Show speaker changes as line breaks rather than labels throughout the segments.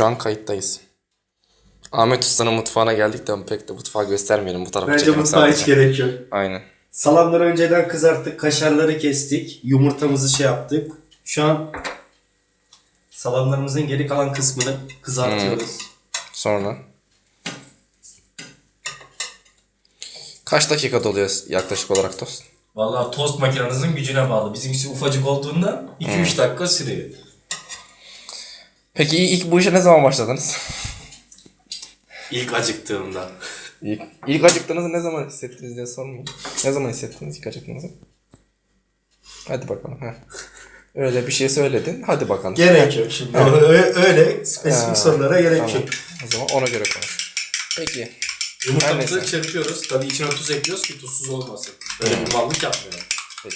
Şu an kayıttayız. Ahmet Usta'nın mutfağına geldik de pek de mutfağı göstermeyelim bu tarafa.
Bence mutfağa hiç gerek yok.
Aynen.
Salamları önceden kızarttık, kaşarları kestik, yumurtamızı şey yaptık. Şu an salamlarımızın geri kalan kısmını kızartıyoruz.
Sonra kaç dakikada oluyor yaklaşık olarak tost?
Vallahi tost makinenizin gücüne bağlı. Bizimkisi ufacık olduğunda 2-3 dakika sürüyor.
Peki ilk bu işe ne zaman başladınız?
İlk acıktığımda.
İlk acıktığınızı ne zaman hissettiniz diye sormayın. Ne zaman hissettiniz ilk acıktığınızı? Hadi bakalım. Heh. Öyle bir şey söyledin. Hadi bakalım.
Gerek yok şimdi. Öyle spesifik sorulara gerek
Tamam.
yok.
O zaman ona göre konuş. Peki.
Yumurtamızı
Her neyse.
çırpıyoruz. Tabii içine tuz ekliyoruz ki tuzsuz olmasın. Böyle bir mallık yapmayalım.
Peki.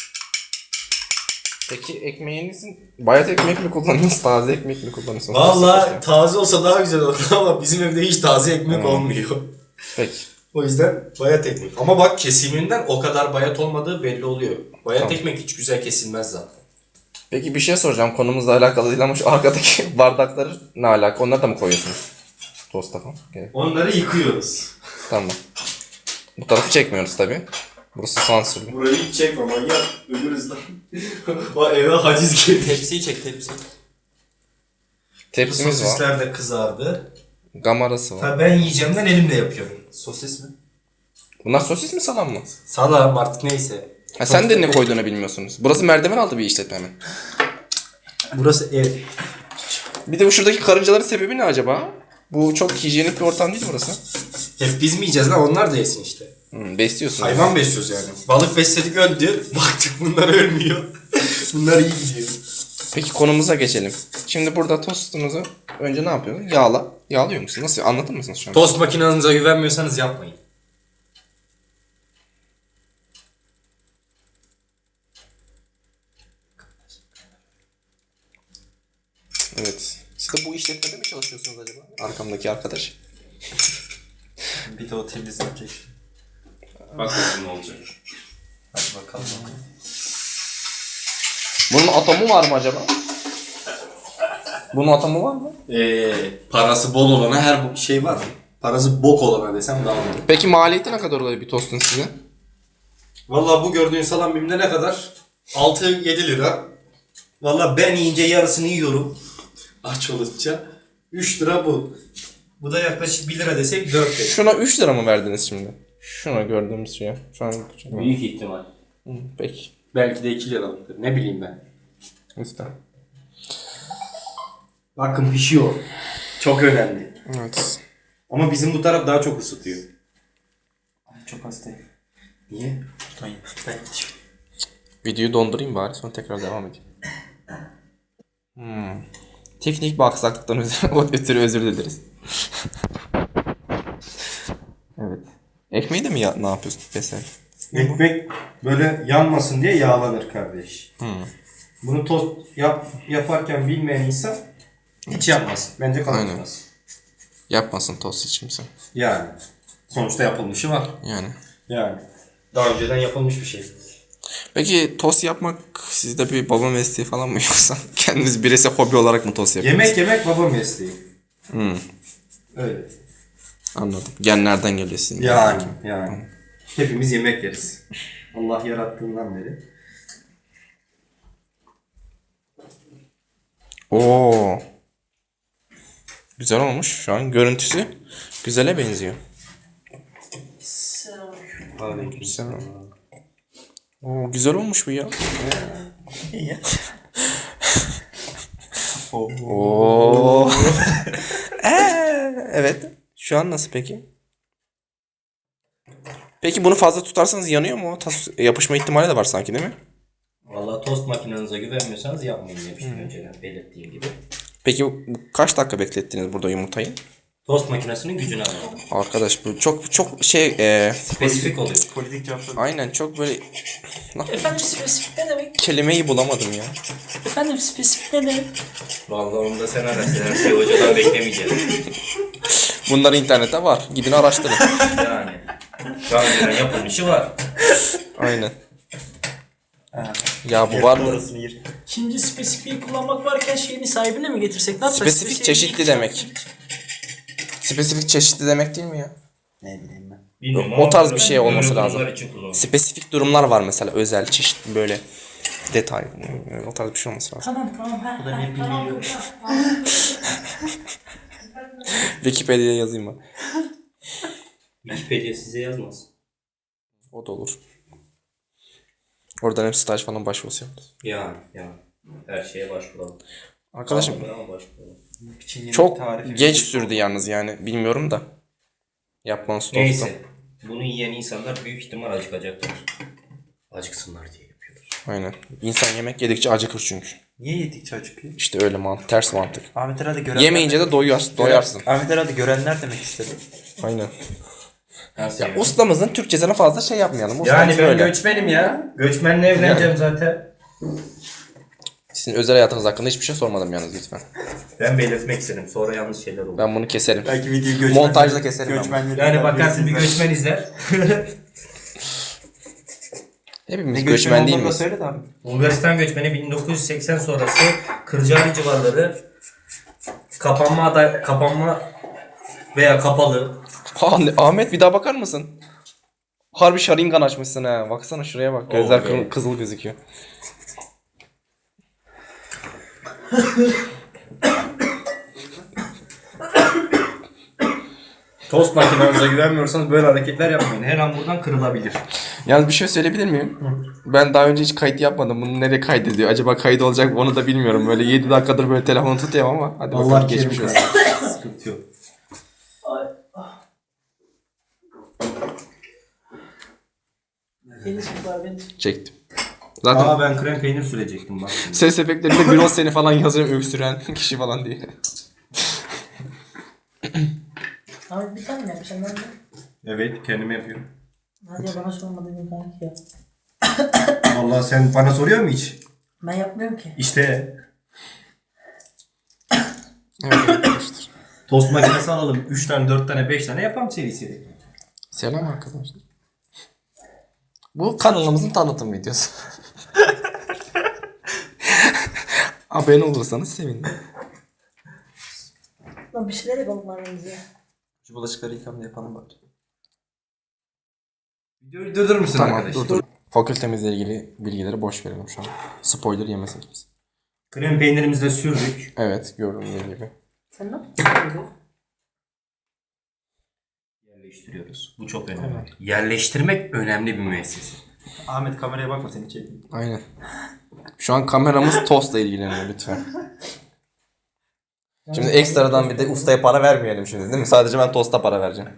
Peki ekmeğinizin bayat ekmek mi kullanıyorsunuz, taze ekmek mi kullanıyorsunuz?
Vallahi taze olsa daha güzel olur ama bizim evde hiç taze ekmek olmuyor.
Peki.
O yüzden bayat ekmek. Ama bak kesiminden o kadar bayat olmadığı belli oluyor. Bayat
Tamam.
ekmek hiç güzel kesilmez zaten.
Peki bir şey soracağım. Konumuzla alakalı değil ama şu arkadaki bardakları ne alaka? Onları da mı koyuyorsunuz? Tosta falan. Okay.
Onları yıkıyoruz.
Tamam. Bu tarafı çekmiyoruz tabii. Burası sansürlü.
Burayı hiç çekme manyak. Ölürüz lan. O eve haciz girdi.
Tepsiyi çek tepsi.
Tepsimiz var.
Sosisler de kızardı.
Gamarası var.
Ha, ben yiyeceğimden elimle yapıyorum.
Sosis mi?
Bunlar sosis mi salam mı?
Salam artık neyse.
Ha, sen de ne koyduğunu bilmiyorsunuz. Burası merdiven altı bir işletme mi?
Burası ev.
Bir de bu şuradaki karıncaların sebebi ne acaba? Bu çok hijyenik bir ortam değil burası.
Hep biz mi yiyeceğiz lan? Onlar da yesin işte.
Besliyorsun.
Hayvan besliyoruz yani. Balık besledik öldü. Baktık bunlar ölmüyor. Bunlar iyi gidiyor.
Peki konumuza geçelim. Şimdi burada tostunuzu önce ne yapıyorsun? Yağlıyor musun? Nasıl? Anlatır mısınız şu an?
Tost makinenize güvenmiyorsanız yapmayın.
Evet. Siz de bu işletmede mi çalışıyorsunuz acaba? Arkamdaki arkadaş.
Bir de o temizlenecek.
Bak bakayım ne olacak.
Hadi bakalım.
Bunun atomu var mı acaba? Bunun atomu var mı?
Parası bol olana her şey var. Parası bok olana desem daha iyi.
Peki maliyeti ne kadar oluyor bir tostun size?
Vallahi bu gördüğün salam bimde ne kadar? 6-7 lira. Vallahi ben yiyince yarısını yiyorum. Aç olunca. 3 lira bu. Bu da yaklaşık 1 lira desek 4 lira.
Şuna 3 lira mı verdiniz şimdi? Şuna gördüğümüz şeye. Şu an
Büyük ihtimal.
Peki.
Belki de 2 liralıktır. Ne bileyim ben.
İşte.
Bakın pişiyor. Çok önemli.
Evet.
Ama bizim bu taraf daha çok ısıtıyor.
Çok hastayım.
Niye?
Tutayım.
Videoyu dondurayım bari sonra tekrar devam edeyim. Teknik bir aksaklıktan ötürü özür dileriz. Evet. Ekmeği de mi ne yapıyorsun mesela?
Ekmek böyle yanmasın diye yağlanır kardeş. Bunu tost yaparken bilmeyen insan hiç yapmaz. Bence kalmaz.
Yapmasın tost hiç kimse.
Yani. Sonuçta yapılmışı var.
Yani.
Daha önceden yapılmış bir şey.
Peki tost yapmak sizde bir baba mesleği falan mı yoksa kendiniz bireysel hobi olarak mı tost yapıyorsunuz?
Yemek baba mesleği. Öyle.
Anladım. Genlerden geliyor sizin.
Yani. Hepimiz yemek yeriz. Allah yarattığından beri.
Oo. Güzel olmuş. Şu an görüntüsü güzele benziyor. Güzel. Oo, güzel olmuş bu ya. Oo. Evet. Şu an nasıl peki? Peki bunu fazla tutarsanız yanıyor mu? Yapışma ihtimali de var sanki değil mi?
Vallahi tost makinenize güvenmiyorsanız yapmayın demiştim önceden belirttiğim gibi.
Peki kaç dakika beklettiniz burada yumurtayı?
Tost makinesinin gücünü anladım.
Arkadaş bu çok şey
Spesifik oluyor.
Politik cevaplar.
aynen çok böyle
Efendim spesifik ne demek?
kelimeyi bulamadım ya.
Efendim spesifik ne demek?
Vallahi onu da sen araştır. Her şeyi hocadan beklemeyeceğiz.
Bunlar internette var. Gidin araştırın.
Yani. Daha önceden yapılmışı var.
Aynen. Ya bu var mı?
Orasını yer.
Şimdi spesifiği kullanmak varken şeyini sahibine mi getirsek? Ne yapsak?
Spesifik çeşitli demek. Spesifik çeşitli demek değil mi ya?
Ne bileyim ben.
Bilmiyorum
O
ama
tarz bir şey olması
böyle
lazım.
durumlar için kullanılır.
Spesifik durumlar var mesela, özel, çeşitli böyle detay. O tarz bir şey olması lazım.
Tamam.
Bu da ne bilmiyorum.
Wikipedia'ya yazayım ben.
Wikipedia size yazmaz.
O da olur. Oradan hep staj falan başvurusu yaparız.
Ya. Her şeye başvuralım.
Arkadaşım
Ama başvuralım.
çok geç sürdü yalnız yani, bilmiyorum da. Yapmanız tostu.
Neyse. Bunu yiyen insanlar büyük ihtimal acıkacaklar. Acıksınlar diye yapıyoruz.
Aynen. İnsan yemek yedikçe acıkır çünkü.
Niye yedikçe acıkıyor?
İşte öyle mantık, ters mantık.
Ahmet herhalde görenler...
Yemeyince de doyarsın.
Ahmet herhalde görenler demek istedi.
Aynen.
Nasıl
Ya
yani?
ustamızın Türkçesine fazla şey yapmayalım. Ustamız
Yani ben
böyle.
göçmenim ya. Göçmenle evleneceğim zaten.
Sizin özel hayatınız hakkında hiçbir şey sormadım yalnız lütfen.
Ben belirtmek istedim. Sonra yanlış şeyler olur.
Ben bunu keserim.
Belki videoyu
Montajda keserim ben bunu.
göçmenleri
Yani bakarsın bir göçmen izler.
Hepimiz göçmen değil miyiz?
Söyle de abi.
Bulgaristan göçmeni 1980 sonrası Kırcaali civarları kapanma veya kapalı.
Ahmet bir daha bakar mısın? Harbi Sharingan açmışsın ha. Baksana şuraya bak. Gözler
be.
kızıl gözüküyor.
Tost makinenize güvenmiyorsanız böyle hareketler yapmayın. Her an buradan kırılabilir.
Yalnız bir şey söyleyebilir miyim? Ben daha önce hiç kayıt yapmadım. Bunu nereye kaydediyor? Acaba kayıt olacak mı onu da bilmiyorum. Böyle 7 dakikadır böyle telefonu tutuyorum ama. Hadi bakalım, geçmiş olsun.
Sıkıntı yok.
Beni çek var beni çek.
Çektim. Zaten
Ben krem peynir sürecektim bak şimdi.
ses efektlerinde Birol seni falan yazıyor, öksüren kişi falan diye.
Abi bir tane mi yapacağım ben de?
Evet kendime yapıyorum.
Hadi ya bana sormadın kanki ya.
Vallahi sen bana soruyor mu hiç?
Ben yapmıyorum ki.
İşte
Evet arkadaşlar.
tost makinesi alalım. 3 tane, 4 tane, 5 tane yapalım seri.
Selam arkadaşlar. Bu kanalımızın tanıtım videosu. Abone olursanız sevinirim.
Lan bir şeyler yapalım aramızda ya.
Şu bulaşıkları yıkamını yapalım bari.
Videoyu durdurur musun
Tamam,
arkadaş?
dur. Fakültemizle ilgili bilgileri boş verelim şu an. Spoiler yemesin kimse.
Krem peynirimizi de sürdük.
Evet, gördüğünüz gibi.
Sen ne yapıyorsun?
Yerleştiriyoruz. Bu çok önemli. Yerleştirmek önemli bir müessese.
Ahmet kameraya bakma seni çekeyim.
Aynen. Şu an kameramız tostla ilgileniyor lütfen. Şimdi ekstradan bir de ustaya para vermeyelim şimdi, değil mi? Sadece ben tosta para vereceğim.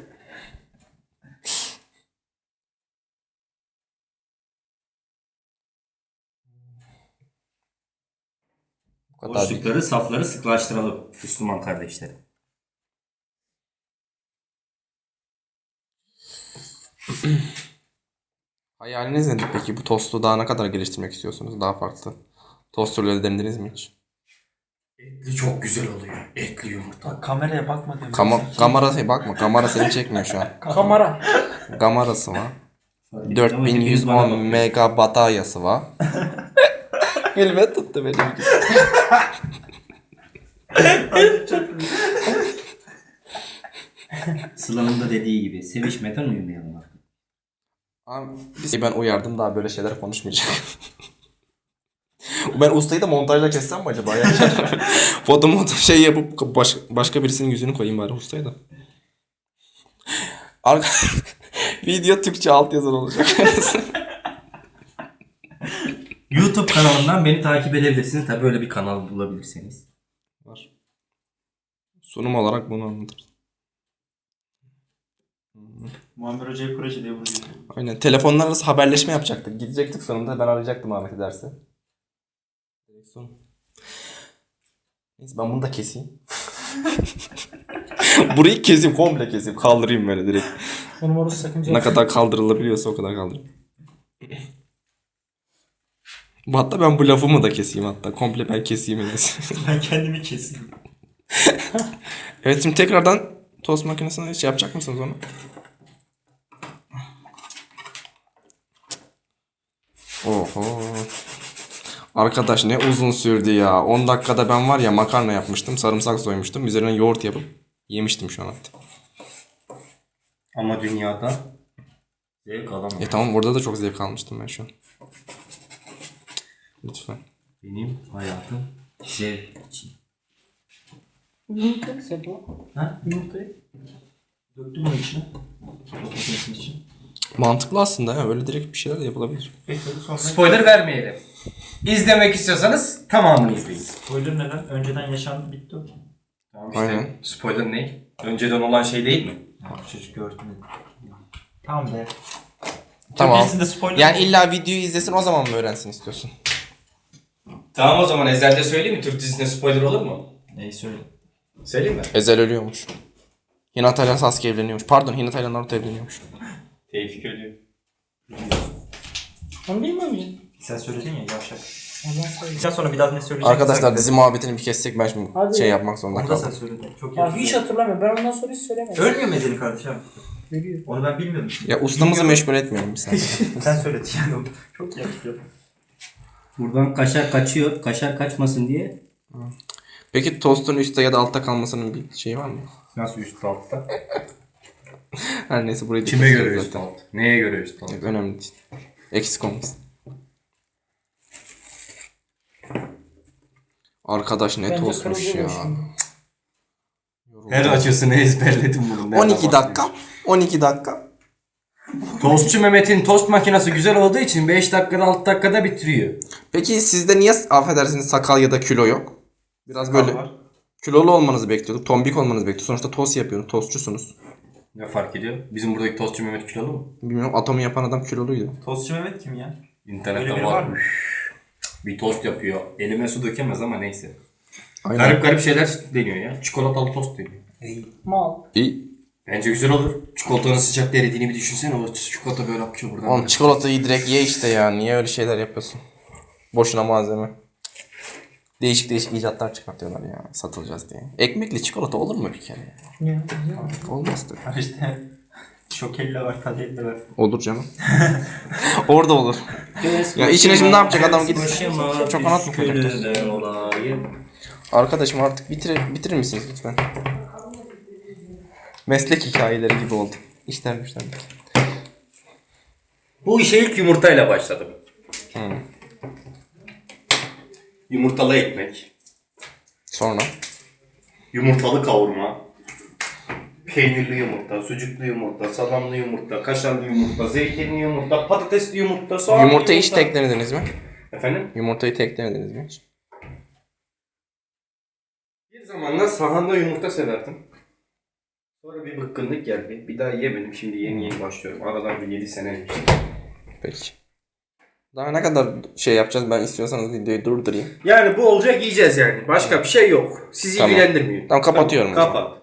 Bu kadar değil.
Boşlukları, safları sıklaştıralım Müslüman kardeşlerim.
Hayaliniz nedir peki? Bu tostu daha ne kadar geliştirmek istiyorsunuz? Daha farklı. Tost türleri denediniz mi hiç?
Etli çok güzel oluyor. Etli yumurta.
Bak kameraya bakma diyorum.
Kameraya bakma. Kamera seni çekmiyor şu an.
Kamera.
Kamerası var. 4110 mega bataryası var. Elime tuttu benim.
Sıla'nın da dediği gibi sevişmeden uyumayalım artık.
Ben uyardım, daha böyle şeyler konuşmayacak. Ben ustayı da montajla kessem mi acaba? Yani foto şey yapıp başka birisinin yüzünü koyayım bari ustaya da. Video Türkçe altyazılı olacak.
YouTube kanalından beni takip edebilirsiniz. Tabii öyle bir kanal bulabilirseniz.
Var. Sunum olarak bunu anlatırız.
Muammer Hoca'ya proje diye vuruyor.
Aynen. Telefonlar arası haberleşme yapacaktık. Gidecektik sonunda. Ben arayacaktım Ahmet'i derse. Neyse ben bunu da keseyim. Burayı keseyim. Komple keseyim. Kaldırayım böyle direkt.
Benim orası sakınca.
Ne kadar kaldırılabiliyorsa o kadar kaldırayım. Hatta ben bu lafımı da keseyim hatta. Komple ben keseyim.
Ben kendimi keseyim.
Evet, şimdi tekrardan tost makinesine şey yapacak mısınız onu? Oho. Arkadaş ne uzun sürdü ya. 10 dakikada ben var ya makarna yapmıştım. Sarımsak soymuştum. Üzerine yoğurt yapıp yemiştim şu an hatta.
Ama dünyada zevk alamam.
Tamam orada da çok zevk almıştım ben şu an. Lütfen.
Benim hayatım zevk için.
Yumurta mı Sebo?
Ha?
Yumurtayı.
Döktüm onun içine. Tost makinesinin içine.
Mantıklı aslında ya. Öyle direkt bir şeyler de yapılabilir.
Peki sonra...
Spoiler vermeyelim. İzlemek istiyorsanız tamamını izleyin.
Spoiler neden? Önceden yaşandı bitti o.
Tamam işte.
Aynen.
Spoiler ne? Önceden olan şey değil mi?
Ya, çocuk gördü mü?
Tamam be.
Tamam.
Türkiye'sinde spoiler
Yani illa videoyu izlesin o zaman mı öğrensin istiyorsun?
Tamam o zaman ezelde söyleyeyim mi? Türk dizisinde spoiler olur mu?
Neyi söyle?
Söyleyeyim mi?
Ezel ölüyormuş. Hinata ile Sasuke evleniyormuş. Pardon Hinata ile Naruto evleniyormuş.
Tevfik ölüyor.
Onu bilmiyor muyum?
Sen söyledin ya yavşak.
Ondan sonra.
Sen sonra bir daha ne söyleyeceksin?
Arkadaşlar dizi muhabbetini bir kessek ben şimdi
Hadi.
şey yapmak zorunda
Onu da sen
kaldım.
söyledin. Çok iyi.
Ya hiç hatırlamıyorum. Ben ondan sonra hiç söylemedim.
Ölmüyor mu Ezel'in kardeşim?
Ölüyor.
Onu ben bilmiyordum.
Ya ustamızı meşgul etmeyelim bir saniye.
Sen söyledin yani onu. Çok iyi hatırlıyorum.
Buradan kaşar kaçıyor. Kaşar kaçmasın diye.
Peki tostun üstte ya da altta kalmasının bir şeyi var mı?
Nasıl üst altta?
Her neyse burayı da
Kime
kesiyoruz
göre
zaten.
üst alt? Neye göre üst alt?
Yok, önemli değil. Eksik olmasın. Arkadaş ne
Bence
tostmuş
kırmızı
ya.
olsun.
Her açısını ezberledim bunun. Nereden
12 dakika. 12 dakika.
Tostçu Mehmet'in tost makinesi güzel olduğu için 5 dakikada 6 dakikada bitiriyor.
Peki sizde niye affedersiniz sakal ya da kilo yok? Biraz böyle kilolu olmanızı bekliyorduk. Tombik olmanızı bekliyorduk. Sonuçta tost yapıyorsunuz. Tostçusunuz.
Ne fark ediyor? Bizim buradaki tostçu Mehmet kilolu mu?
Bilmiyorum atomu yapan adam kiloluydu.
Tostçu Mehmet kim ya? Öyle
İnternette
biri
var.
var mı?
Bir tost yapıyor. Elime su dökemez ama neyse.
Aynen.
Garip garip şeyler deniyor ya. Çikolatalı tost deniyor.
Mal.
İyi.
Bence güzel olur. Çikolatanın sıcak eridiğini bir düşünsene. O çikolata böyle akıyor buradan.
Oğlum çikolatayı direkt ye işte ya. Niye öyle şeyler yapıyorsun? Boşuna malzeme. Değişik değişik icatlar çıkartıyorlar ya. Satılacağız diye. Ekmekli çikolata olur mu bir kere ya?
Ya.
Olmaz tabii.
İşte şokelle var, kadelle var.
Olur canım. Orada olur. Ya içine şimdi ne yapacak adam gidip çok anlat mı koyacak? Arkadaşım artık bitirir misiniz lütfen? Meslek hikayeleri gibi oldu. İşler güçler.
Bu işe ilk yumurtayla başladım. Yumurtalı ekmek.
Sonra?
Yumurtalı kavurma. Peynirli yumurta, sucuklu yumurta, salamlı yumurta, kaşarlı yumurta, zeytinli yumurta, patatesli yumurta, soğanlı
Yumurtayı hiç
yumurta.
tek denediniz mi?
Efendim?
Yumurtayı tek denediniz mi hiç?
Bir zamanlar sahanda yumurta severdim. Sonra bir bıkkınlık geldi. Bir daha yemedim. Şimdi yeni başlıyorum. Aradan bir 7 sene geçti.
Peki. Daha ne kadar şey yapacağız ben istiyorsanız videoyu durdurayım.
Yani bu olacak yiyeceğiz yani. Başka bir şey yok. Sizi
Tamam.
ilgilendirmiyor.
Tamam, kapatıyorum o zaman.
Kapat.